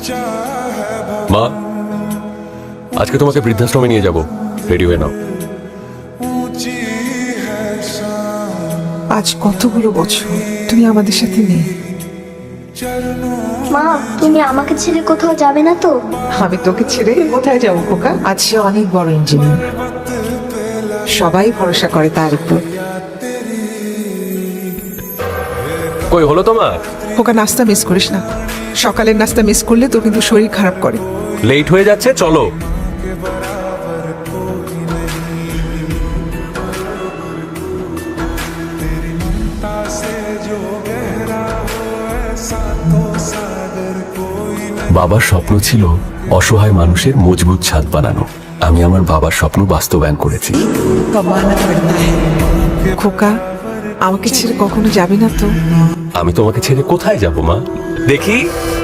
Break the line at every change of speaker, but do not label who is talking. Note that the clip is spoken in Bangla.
মা, আজকে তোমাকে বৃদ্ধাশ্রমে নিয়ে যাব, রেডি হয়ে নাও।
আজ কতগুলো বছর তুমি আমাদের সাথে নেই।
মা, তুমি আমাকে ছেড়ে কোথাও যাবে না তো?
আমি তোকে ছেড়ে কোথায় যাবো খোকা? আজ সে অনেক বড় ইঞ্জিনিয়ার, সবাই ভরসা করে তার উপর।
কই হলো তোমার?
খোকা, নাস্তা মিস করিস না, সকালের নাস্তা মিস করলে তো কিন্তু শরীর খারাপ করে।
লেট হয়ে যাচ্ছে, চলো। বাবার স্বপ্ন ছিল অসহায় মানুষের মজবুত ছাদ বানানো। আমি আমার বাবার স্বপ্ন বাস্তবায়ন করেছি।
খোকা, আমাকে ছেড়ে কখনো যাবে না তো?
আমি তোমাকে ছেড়ে কোথায় যাব মা? দেখি